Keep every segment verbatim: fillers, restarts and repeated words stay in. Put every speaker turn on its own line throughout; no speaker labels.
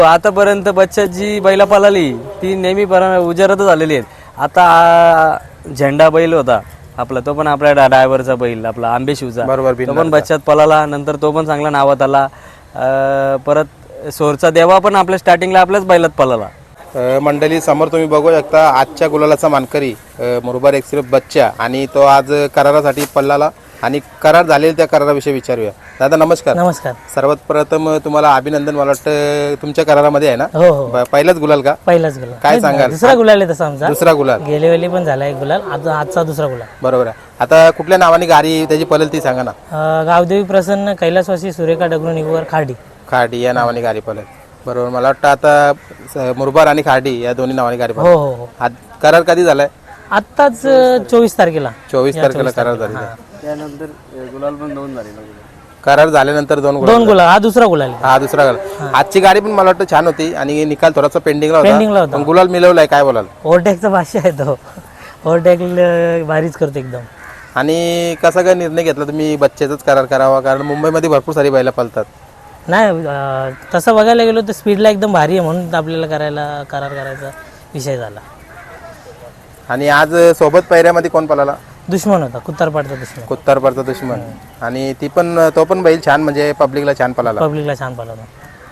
आतापर्यंत बच्चा जी बैला पळाली ती नेहमी उजेरातच आलेली आहेत। आता आ, झेंडा बैल होता आपला, तो पण आपल्या ड्रायव्हरचा बैल आपला आंबे शिवचा, तो पण बच्चात पळाला, नंतर तो पण चांगला नावात आला। परत सोरचा देवा पण आपल्या स्टार्टिंगला आपल्याच बैलात पळाला।
मंडळी समोर तुम्ही बघू शकता आजच्या गुलालाचा मानकरी मुरबाड एक्सप्रेस बच्चा, आणि तो आज करारासाठी पळाला आणि करार झालेला त्या कराराविषयी विचारूया। दादा नमस्कार।
नमस्कार।
सर्वात प्रथम तुम्हाला अभिनंदन। मला वाटतं तुमच्या करारामध्ये आहे ना?
हो हो,
पहिलाच गुलाल का?
पहिलाच गुलाल।
काय सांगाल?
दुसरा गुलाल आहे तसा आमचा,
दुसरा गुलाल।
गेले वेळी पण झाला एक गुलाल, आज आजचा दुसरा गुलाल।
बरोबर आहे। आता कुठल्या नावाने गाडी त्याची पळेल ती सांगा ना।
अं, गावदेवी प्रसन्न कैलासवासी सुरेखा डगरू निगवर खाडी
खाडी या नावाने गाडी पळेल। बरोबर, मला वाटतं आता मुरबाड आणि खाडी या दोन्ही नावाने गाडी
हो
पळेल।
हो हो,
आज करार कधी झालाय?
आत्ताच चोवीस तारखेला
चोवीस तारखेला करार झालेला।
त्यानंतर गुलाल पण दोन झाले।
करार झाल्यानंतर दोन गुलाल।
दोन गुलाल, हा दुसरा गुलाल आहे।
हा दुसरा गुलाल। आजची गाडी पण मला वाटतं छान होती आणि निकाल थोडासा पेंडिंगला
पेंडिंगला
होता,
होता।
पण गुलाल मिळवलाय, काय बोलाल?
ओव्हरटेकचा भाष्य आहे तो, ओव्हरटेक भारीच करतो एकदम।
आणि कसा काय निर्णय घेतला तुम्ही बच्चेचाच करार करावा? कारण मुंबईमध्ये भरपूर सारी बैला पळतात।
नाही अं, तसं बघायला गेलो तर स्पीडला एकदम भारी आहे, म्हणून आपल्याला करायला करार करायचा विषय झाला।
आणि आज सोबत पैऱ्यामध्ये कोण पळाला?
दुश्मन होता, कुत्तारपाडचा दुश्मन,
कुत्तारपाडचा दुश्मन। आणि ती पण तो पण बैल छान, म्हणजे पब्लिकला छान पळाला।
पब्लिकला छान पळाला।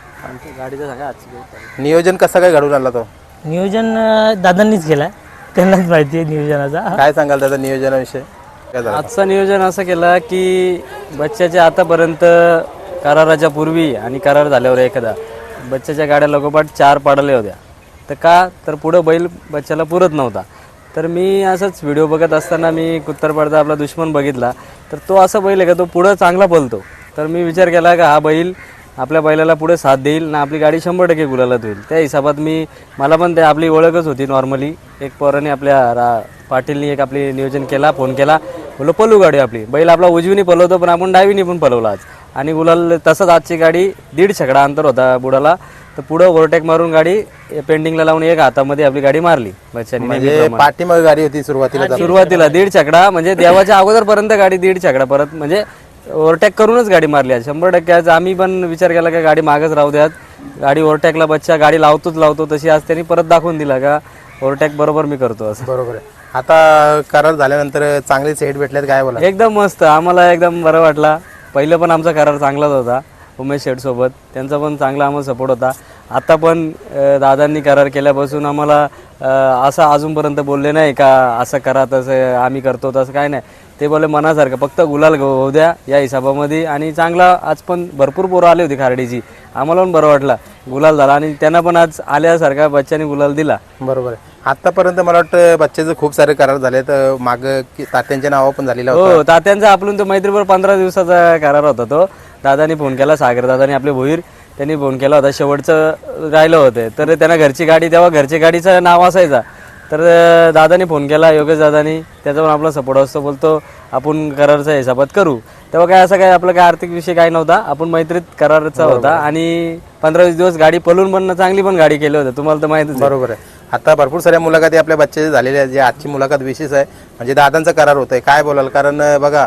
गाडीचं सांगा आजची।
नियोजन कसं काय घडून आला तो?
नियोजन अं, दादांनीच केलाय, त्यांनाच माहिती आहे नियोजनाचा।
काय सांगाल त्याचा नियोजनाविषयी? काय झालं?
आजचं नियोजन असं केलं की बच्चाच्या आतापर्यंत कराराच्या पूर्वी आणि करार झाल्यावर एखादा बच्चाच्या गाड्या लगोपाठ चार पाडल्या होत्या, तर का तर पुढं बैल बच्चाला पुरत नव्हता। तर मी असंच व्हिडिओ बघत असताना मी कुत्तारपाडचा आपला दुश्मन बघितला, तर तो असा बैल आहे का तो पुढं चांगला पळतो। तर मी विचार केला का हा बैल आपल्या बैलाला पुढे साथ देईल ना, आपली गाडी शंभर टक्के गुलालात होईल। त्या हिशोबात मी मला पण ते आपली ओळखच होती नॉर्मली, एक पोराने आपल्या रा पाटीलनी एक आपली नियोजन केला, फोन केला, बोलो पळू गाडी आपली। बैल आपला उजवीनी पळवतो पण आपण डावीनी पण पळवला आज, आणि गुलाल तसंच आजची गाडी दीड छकडा अंतर होता बुडाला, तर पुढं ओव्हरटेक मारून गाडी पेंडिंगला लावून एक हातामध्ये आपली गाडी मारली बच्चानी।
म्हणजे पाठीमागे गाडी होती सुरुवातीला?
सुरुवातीला दीड छकडा, म्हणजे देवाच्या अगोदरपर्यंत गाडी दीड छकडा परत म्हणजे ओव्हरटेक करूनच गाडी मारली आज शंभर टक्के। आज आम्ही पण विचार केला का गाडी मागच राहू द्यात, गाडी ओव्हरटेकला बच्चा गाडी लावतोच लावतो तशी आज त्यांनी परत दाखवून दिला का ओव्हरटेक बरोबर मी करतो असं।
बरोबर आहे। आता करार झाल्यानंतर चांगले सेट भेटलेत, काय बोला?
एकदम मस्त, आम्हाला एकदम बरं वाटला। पहिलं पण आमचा करार चांगलाच होता उमेश शेठ सोबत, त्यांचा पण चांगला आम्हाला सपोर्ट होता। आता पण दादांनी करार केल्यापासून आम्हाला असं अजूनपर्यंत बोलले नाही का असं करा तसं आम्ही करतो तसं काय नाही, ते बोलले मनासारखं फक्त गुलाल होऊ द्या या हिशोबामध्ये। आणि चांगला आज पण भरपूर पोरं आली होती खारडीची, आम्हाला पण बरं वाटलं गुलाल झाला, आणि त्यांना पण आज आल्यासारखा बच्चाने गुलाल दिला।
बरोबर आहे। आतापर्यंत मला वाटतं बच्चेचे खूप सारे करार झाले, तर माग तात्यांच्या नावा पण झालेला होता।
हो, तात्यांचा आपण तो मैत्रीपूर पंधरा दिवसाचा करार होता तो। दादानी फोन केला, सागर दादानी आपले भोईर त्यांनी फोन केला होता, शेवटचं राहिलं होतं, तर त्यांना घरची गाडी तेव्हा घरची गाडीचं नाव असायचा, तर दादानी फोन केला योगेश दादानी, त्याचा पण आपला सपोर्ट असतो, बोलतो आपण करारचा हिसाबात करू। तेव्हा काय असं काय आपलं काय आर्थिक विषय काय नव्हता, आपण मैत्रीत कराराचा होता, आणि पंधरा वीस दिवस गाडी पळून पण चांगली पण गाडी केली होती, तुम्हाला तर माहितीच आहे।
बरोबर आहे। आता भरपूर साऱ्या मुलाखती आपल्या बच्चे झालेल्या आहेत, जे आजची मुलाखत विशेष आहे, म्हणजे दादांचा करार होत आहे, काय बोलाल? कारण बघा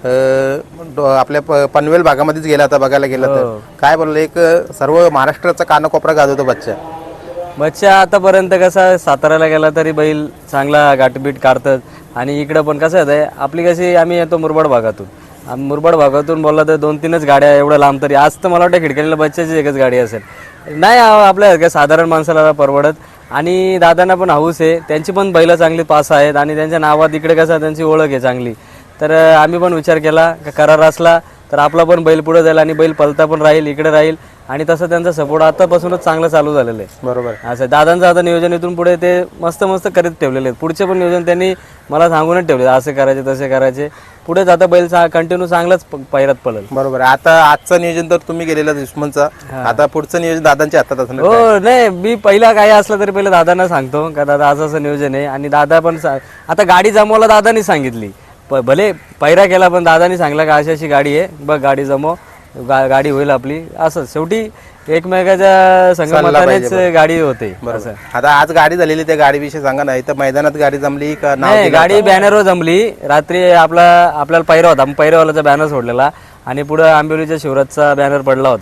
आपल्या पनवेल भागामध्येच गेला आता बघायला गेलं तर काय बोललं, एक सर्व महाराष्ट्राचा कानाकोपरा गाजवतो बच्चा।
बच्चा आतापर्यंत कसा साताऱ्याला गेला तरी बैल चांगला गाठबीट काढतात, आणि इकडं पण कसं आहे आपली कशी आम्ही येतो मुरबाड भागातून, मुरबाड भागातून बोलला तर दोन तीनच गाड्या एवढं लांब, तरी आज तर मला वाटतं खिडकीला बच्चाची एकच गाडी असेल, नाही आपल्या काय साधारण माणसाला परवडत। आणि दादांना पण हाऊस आहे, त्यांची पण बैलं चांगली पास आहेत, आणि त्यांच्या नावात इकडे कसं त्यांची ओळख आहे चांगली, तर आम्ही पण विचार केला का करार असला तर आपला पण बैल पुढे जाईल आणि बैल पलता पण राहील, इकडे राहील, आणि तसं त्यांचा सपोर्ट आतापासूनच चांगलं चालू झालेलं आहे।
बरोबर
असं दादांचं आता नियोजन इथून पुढे ते मस्त मस्त करीत ठेवलेले आहेत, पुढचे पण नियोजन त्यांनी मला सांगूनच ठेवले, असे करायचे तसे करायचे, पुढे जाता बैल कंटिन्यू चांगलाच पैरात पळेल।
बरोबर। आता आजचं नियोजन तर तुम्ही गेलेला दुश्मनचा, आता पुढचं नियोजन दादांच्या हातात असणार?
हो, नाही मी पहिला काही असलं तरी पहिलं दादांना सांगतो का दादा असं असं नियोजन आहे, आणि दादा पण आता गाडी जमवायला दादानी सांगितली, भले पैरा केला पण दादानी सांगला का अशी अशी गाडी आहे बघ, गाडी जमव, गा गाडी होईल आपली, असं शेवटी एकमेकाच्या संगमतानेच गाडी होते।
आता आज गाडी झालेली, त्या गाडीविषयी सांगा ना, इथं मैदानात गाडी जमली का?
नाही, गाडी बॅनरवर जमली, रात्री आपला आपल्याला पैरा होता, पैरावाल्याचा बॅनर सोडलेला, आणि पुढे आंबिवलीच्या शिवराजचा बॅनर पडला होता,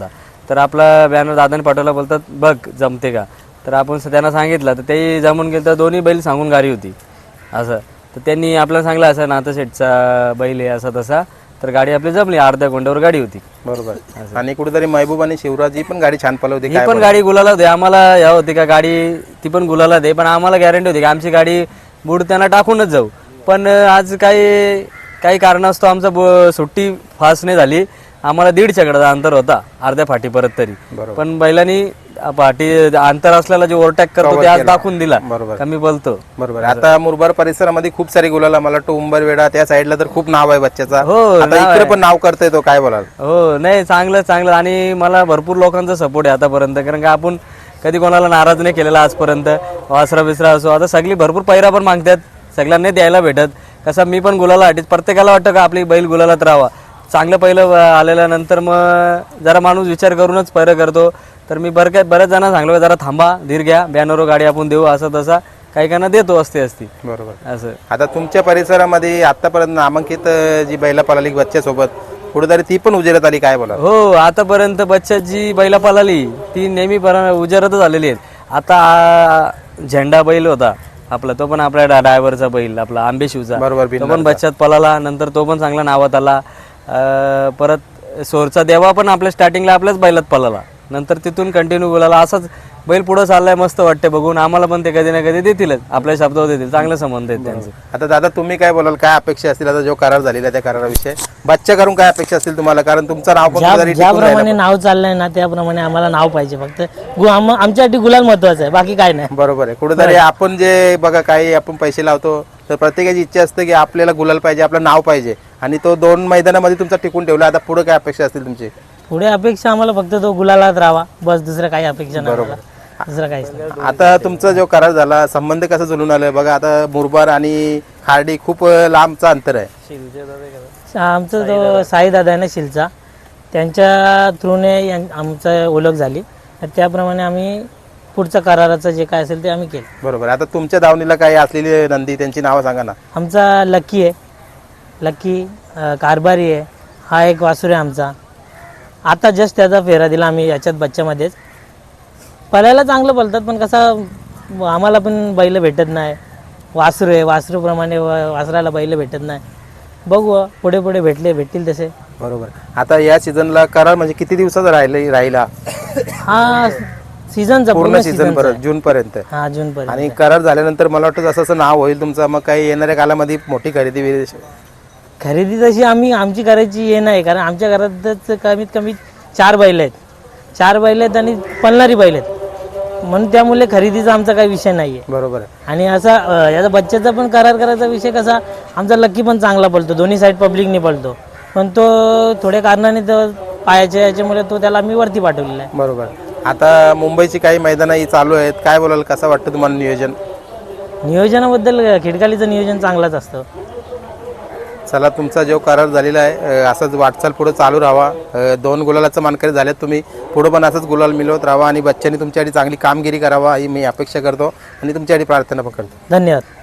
तर आपला बॅनर दादाने पाठवला, बोलतात बघ जमते का. तर आपण स- त्यांना सांगितलं तर तेही जमून गेलं. तर दोन्ही बैल सांगून गाडी होती असं. तर त्यांनी आपल्याला सांगलं असं नातं शेठचा बैल आहे असा तसा. तर गाडी आपली जमली, अर्ध्या गोंड्यावर गाडी होती.
बरोबर. आणि कुठेतरी महबूब आणि शिवराज ही पण गाडी छान पळवली.
ही पण गाडी गुलाला होती. आम्हाला या होती का गाडी ती पण गुलाला दे, पण आम्हाला गॅरंटी होती की आमची गाडी बुड त्यांना टाकूनच जाऊ. पण आज काही काही कारणास्तव आमचा ब- सुट्टी फास्ट नाही झाली. आम्हाला दीडच्याकडचा अंतर होता अर्ध्या फाटीपर्यंत तरी. पण बैलांनी फाटी अंतर असलेला जे ओव्हरटॅक करतो ते आज दाखवून दिला.
बरोबर.
कमी बोलतो.
बरोबर. आता मुरबाड परिसरामध्ये खूप सारी गुलाला, मला वाटतं उंबरवेडा त्या साईडला तर खूप नाव आहे बच्च्याचा.
हो,
आता इकडे पण नाव करतोय तो, काय बोलाल?
हो नाही चांगलं चांगलं. आणि मला भरपूर लोकांचा सपोर्ट आहे आतापर्यंत, कारण का आपण कधी कोणाला नाराज नाही केलेला आजपर्यंत. वासरा बिसरा असो, आता सगळी भरपूर पैरा पण मागतात, सगळ्यांना द्यायला भेटत. कसं मी पण गुलाला वाटत, प्रत्येकाला वाटतं का आपली बैल गुलालात राहावा. चांगलं पहिलं आलेल्यानंतर मग जरा माणूस विचार करूनच पैरं करतो. तर मी बरं काय बऱ्याच जणांना सांगलो का जरा थांबा, धीर घ्या, बॅनरवर गाडी आपण देऊ असं तसा. काही काना देतो असते असती
बरोबर.
असं.
आता तुमच्या परिसरामध्ये आतापर्यंत नामांकित जी बैला पळाली बच्च्यासोबत, कुठेतरी ती पण उजेरात आली, काय बोला?
हो, आतापर्यंत बच्चा जी बैला पळाली ती नेहमी पर उजेरातच आलेली आहेत. आता आ, झेंडा बैल होता आपला, तो पण आपल्या ड्रायव्हरचा बैल आपला आंबेशिवचा,
बरोबर.
तो पण बच्चात पळाला. नंतर तो पण चांगला नावात आला. अं, परत सोरचा देवा पण आपल्या स्टार्टिंगला आपल्याच बैलात पळाला. नंतर तिथून कंटिन्यू बोलायला असाच बैल पुढं चाललाय, मस्त वाटते बघून. आम्हाला पण ते कधी ना कधी देतीलच, आपल्या शब्दावर देतील. चांगले संबंध आहेत त्यांचे.
आता दादा तुम्ही काय बोलाल, काय अपेक्षा असतील आता जो करार झालेला आहे त्या कराराविषयी? बच्चा करून काय अपेक्षा असतील तुम्हाला? कारण तुमचं नाव पण
ज्या
कुठेतरी टिकून राहिलं.
ज्याप्रमाणे नाव चाललंय ना त्याप्रमाणे आम्हाला नाव पाहिजे. फक्त गु- आम- आमच्यासाठी गुलाल महत्वाचं आहे, बाकी काय नाही.
बरोबर आहे. कुठेतरी आपण जे बघा काही आपण पैसे लावतो, तर प्रत्येकाची इच्छा असते की आपल्याला गुलाल पाहिजे, आपलं नाव पाहिजे. आणि तो दोन मैदानामध्ये तुमचा टिकून ठेवला. आता पुढे काय अपेक्षा असतील तुमची?
पुढे अपेक्षा आम्हाला फक्त तो गुलालात राहावा, बस. दुसरं काही अपेक्षा नाही आम्हाला. दुसरं काहीच नाही.
आता तुमचा जो करार झाला, संबंध कसं जुळून आलं बघा. आता मुरबाड आणि खार्डी खूप लांबचा अंतर आहे.
आमचा जो साई दादा आहे ना शिलचा, त्यांच्या थ्रूने आमचं ओळख झाली. तर त्याप्रमाणे आम्ही पुढचं कराराचं जे काय असेल ते आम्ही केलं.
बरोबर. आता तुमच्या दावणीला काही असलेली नंदी त्यांची नावं सांगा ना.
आमचा लकी आहे, लकी अं, कारभारी आहे. हा एक वासुर आहे आमचा. आता जस्ट त्याचा फेरा दिला आम्ही याच्यात बच्च्यामध्येच. पळायला चांगलं पळतात, पण कसं आम्हाला पण बैल भेटत नाही. वासरू आहे, वासरूप्रमाणे व- वासराला बैल भेटत नाही. बघू पुढे पुढे भेटले भेटतील तसे.
बरोबर. आता या सीझनला करार म्हणजे किती दिवसाचा राहिले राहिला?
हा सीझनचा
पूर्ण सीझन पर्यंत, जून पर्यंत.
हा जून पर्यंत.
आणि करार झाल्यानंतर मला वाटतं जसं असं नाव होईल तुमचं, मग काही येणाऱ्या कालामध्ये मोठी खरेदी विरेदी?
खरेदी तशी आम्ही आमची करायची हे नाही, कारण आमच्या घरातच कमीत कमी चार बैल आहेत. चार बैल आहेत आणि पळणारी बैल आहेत, म्हणून त्यामुळे खरेदीचा आमचा काही विषय नाही आहे.
बरोबर आहे.
आणि असा अं, याचा बच्चाचा पण करार करायचा विषय कसा, आमचा लकी पण चांगला पळतो, दोन्ही साईड पब्लिकने पळतो. पण तो थोड्या कारणाने तो पायाच्या याच्यामुळे तो त्याला आम्ही वरती पाठवलेला आहे.
बरोबर. आता मुंबईची काही मैदानं ही चालू आहेत, काय बोलाल, कसं वाटतं तुम्हाला नियोजन?
नियोजनाबद्दल खिडकालीचं नियोजन चांगलाच असतं.
चला, तुमचा जो करार झालेला आहे अ, असाच वाटचाल पुढे चालू राहावा. अ, दोन गुलालाचं मानकरी झालेत तुम्ही, पुढे पण असंच गुलाल मिळवत राहावा आणि बच्चांनी तुमच्यासाठी चांगली कामगिरी करावा ही मी अपेक्षा करतो आणि तुमच्यासाठी प्रार्थना पण करतो.
धन्यवाद.